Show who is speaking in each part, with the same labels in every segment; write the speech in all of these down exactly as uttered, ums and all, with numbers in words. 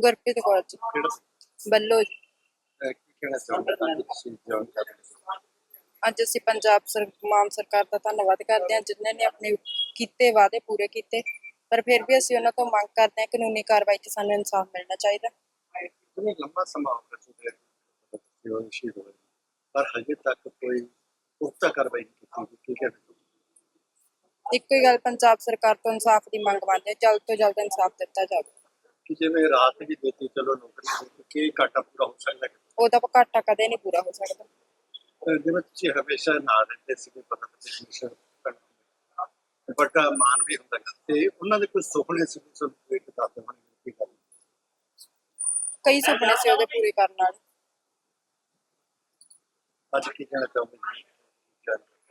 Speaker 1: ਗੁਰਪ੍ਰੀਤ ਕੌਰ ਜੀ ਵੱਲੋਂ ਜੀ।
Speaker 2: ਕੀ ਕਹਿਣਾ ਚਾਹੁੰਦੇ ਹੋ ਤੁਸੀਂ ਜੌਇਨ ਕਰ ਰਹੇ ਹੋ?
Speaker 1: ਅੱਜ ਅਸੀਂ ਪੰਜਾਬ ਸਰ ਮਾਨ ਸਰਕਾਰ ਦਾ ਧੰਨਵਾਦ ਕਰਦੇ ਹਾਂ ਜਿਨ੍ਹਾਂ ਨੇ ਆਪਣੇ ਕੀਤੇ ਵਾਅਦੇ ਪੂਰੇ ਕੀਤੇ, ਪਰ ਫਿਰ ਵੀ ਅਸੀਂ ਉਹਨਾਂ ਤੋਂ ਮੰਗ ਕਰਦੇ ਹਾਂ ਕਾਨੂੰਨੀ ਕਾਰਵਾਈ 'ਚ ਸਾਨੂੰ ਇਨਸਾਫ ਮਿਲਣਾ ਚਾਹੀਦਾ।
Speaker 2: ਕਿੰਨਾ ਲੰਬਾ ਸਮਾਂ ਹੋ ਗਿਆ ਤੁਹਾਡੇ ਉਹ ਸ਼ਹੀਦ ਹੋਏ, ਪਰ ਹਜੇ ਤੱਕ ਕੋਈ ਪੁਖਤਾ ਕਾਰਵਾਈ ਨਹੀਂ ਕੀਤੀ। ਕੀ ਕਹਿਣਾ ਚਾਹੁੰਦੇ?
Speaker 1: ਇੱਕੋ ਹੀ ਗੱਲ ਪੰਜਾਬ ਸਰਕਾਰ ਤੋਂ ਇਨਸਾਫ ਦੀ ਮੰਗ ਮੰਨਦੇ ਹਾਂ, ਜਲਦ ਤੋਂ ਜਲਦ ਇਨਸਾਫ ਦਿੱਤਾ ਜਾਵੇ।
Speaker 2: ਕਿ ਜਿਵੇਂ ਰਾਤ ਵੀ ਦਿੱਤੀ, ਚਲੋ ਨੌਕਰੀ ਦਿੱਤੀ, ਕੀ ਘਾਟਾ ਪੂਰਾ ਹੋ ਸਕਦਾ?
Speaker 1: ਉਹਦਾ ਘਾਟਾ ਕਦੇ ਨਹੀਂ ਪੂਰਾ ਹੋ ਸਕਦਾ।
Speaker 2: ਅਹ ਜਿਵੇਂ ਤੁਸੀਂ ਹਮੇਸ਼ਾ ਨਾਲ ਰਹਿੰਦੇ ਸੀਗੇ, ਪਤਾ ਨਹੀਂ ਵੱਡਾ ਮਾਨ ਵੀ ਹੁੰਦਾ ਗਾ, ਤੇ ਉਹਨਾਂ ਦੇ ਕੋਈ ਸੁਪਨੇ ਸੀ ਤੁਹਾਨੂੰ ਇੱਕ ਦੱਸਦੇ ਹੋਣੇ ਕੀ ਗੱਲ?
Speaker 1: ਕਈ ਸੁਪਨੇ ਸੀ ਉਹਦੇ ਪੂਰੇ ਕਰਨ ਵਾਲੇ।
Speaker 2: ਅੱਜ ਕੀ ਕਹਿਣਾ ਚਾਹੁੰਦੇ ਜੀ?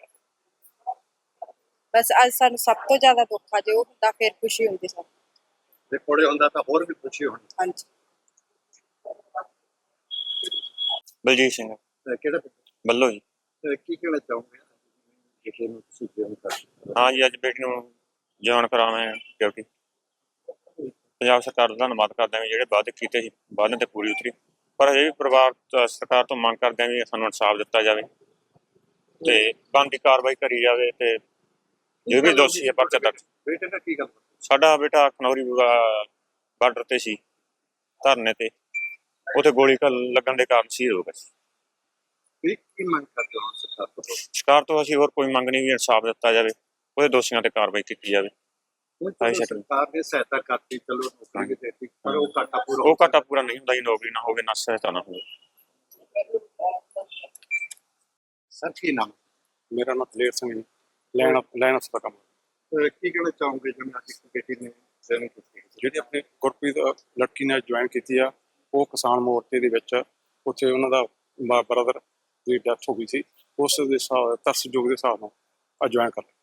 Speaker 1: ਬਸ ਅੱਜ ਸਾਨੂੰ ਸਭ ਤੋਂ ਜ਼ਿਆਦਾ ਦੁੱਖ ਆ, ਜੇ ਉਹ ਹੁੰਦਾ ਫਿਰ ਖੁਸ਼ੀ ਹੁੰਦੀ ਸਾਨੂੰ।
Speaker 2: ਜੇ ਕੋਲੇ ਹੁੰਦਾ ਤਾਂ ਹੋਰ ਵੀ ਖੁਸ਼ੀ ਹੋਣੀ।
Speaker 1: ਹਾਂਜੀ।
Speaker 3: ਬਲਜੀਤ ਸਿੰਘ
Speaker 2: ਅਹ ਕਿਹੜਾ ਪਿੰਡ?
Speaker 3: ਵੱਲੋਂ ਜੀ।
Speaker 2: ਅਹ ਕੀ ਕਹਿਣਾ ਚਾਹੋਗੇ ਜਿਹੜੇ ਨੂੰ ਤੁਸੀਂ ਜੌਇਨ ਕਰ ਰਹੇ ਹੋ?
Speaker 3: ਹਾਂ ਜੀ, ਅੱਜ ਬੇਟੀ ਨੂੰ ਜੌਇਨ ਕਰਾਉਣਾ ਡਿਊਟੀ। ਪੰਜਾਬ ਸਰਕਾਰ ਦਾ ਧੰਨਵਾਦ ਕਰਦੇ ਹਾਂ ਵੀ ਜਿਹੜੇ ਵਾਅਦੇ ਕੀਤੇ ਸੀ ਵਾਅਦਿਆਂ 'ਤੇ ਪੂਰੀ ਉਤਰੀ, ਪਰ ਹਜੇ ਵੀ ਪਰਿਵਾਰ ਤੋਂ ਸਰਕਾਰ ਤੋਂ ਮੰਗ ਕਰਦੇ ਹਾਂ ਵੀ ਸਾਨੂੰ ਇਨਸਾਫ ਦਿੱਤਾ ਜਾਵੇ ਅਤੇ ਬਣਦੀ ਕਾਰਵਾਈ ਕਰੀ ਜਾਵੇ, ਅਤੇ ਜੋ ਵੀ ਦੋਸ਼ੀ ਹੈ ਪਰਚਾ ਦਰਜ।
Speaker 2: ਬੇਟੇ ਨਾਲ ਕੀ ਗੱਲ?
Speaker 3: ਸਾਡਾ ਬੇਟਾ ਖਨੌਰੀ ਬਾਰਡਰ 'ਤੇ ਸੀ ਧਰਨੇ 'ਤੇ, ਉੱਥੇ ਗੋਲੀ ਲੱਗਣ ਦੇ ਕਾਰਨ ਸ਼ਹੀਦ ਹੋ ਗਿਆ ਸੀ।
Speaker 2: ਕੀ ਮੰਗ ਕਰਦੇ ਹੋ ਸਰਕਾਰ ਤੋਂ?
Speaker 3: ਸਰਕਾਰ ਤੋਂ ਅਸੀਂ ਹੋਰ ਕੋਈ ਮੰਗ ਨਹੀਂ, ਵੀ ਇਨਸਾਫ ਦਿੱਤਾ ਜਾਵੇ, ਉਹਦੇ ਦੋਸ਼ੀਆਂ 'ਤੇ ਕਾਰਵਾਈ ਕੀਤੀ ਜਾਵੇ।
Speaker 2: ਸਰਕਾਰ ਨੇ ਸਹਾਇਤਾ ਕਰਤੀ, ਚਲੋ ਨੌਕਰੀ ਵੀ ਦੇਤੀ, ਪਰ ਉਹ ਘਾਟਾ ਪੂਰਾ
Speaker 3: ਉਹ ਘਾਟਾ ਪੂਰਾ ਨਹੀਂ ਹੁੰਦਾ ਜੀ, ਨੌਕਰੀ ਨਾ ਹੋਵੇ ਨਾ ਸਹਾਇਤਾ ਨਾ ਹੋਵੇ।
Speaker 2: ਸਰ ਕੀ ਨਾਮ?
Speaker 4: ਮੇਰਾ ਨਾਮ ਦਲੇਰ ਸਿੰਘ ਜੀ, ਲੈਣ ਲੈਣ ਦਾ ਕੰਮ।
Speaker 2: ਕੀ ਕਹਿਣਾ ਚਾਹੋਗੇ ਜਿਵੇਂ ਅੱਜ ਇੱਕ ਬੇਟੀ ਨੇ ਜੁਆਇਨ ਕੀਤੀ?
Speaker 4: ਜਿਹੜੀ ਆਪਣੀ ਗੁਰਪ੍ਰੀਤ ਲੜਕੀ ਨੇ ਜੁਆਇਨ ਕੀਤੀ ਆ, ਉਹ ਕਿਸਾਨ ਮੋਰਚੇ ਦੇ ਵਿੱਚ ਉੱਥੇ ਉਹਨਾਂ ਦਾ ਬ੍ਰਦਰ ਦੀ ਡੈਥ ਹੋ ਗਈ ਸੀ, ਉਸ ਦੇ ਹਿਸਾਬ ਤਰਸਯੋਗ ਦੇ ਹਿਸਾਬ ਨਾਲ ਆ ਜੁਆਇਨ ਕਰ ਲਿਆ।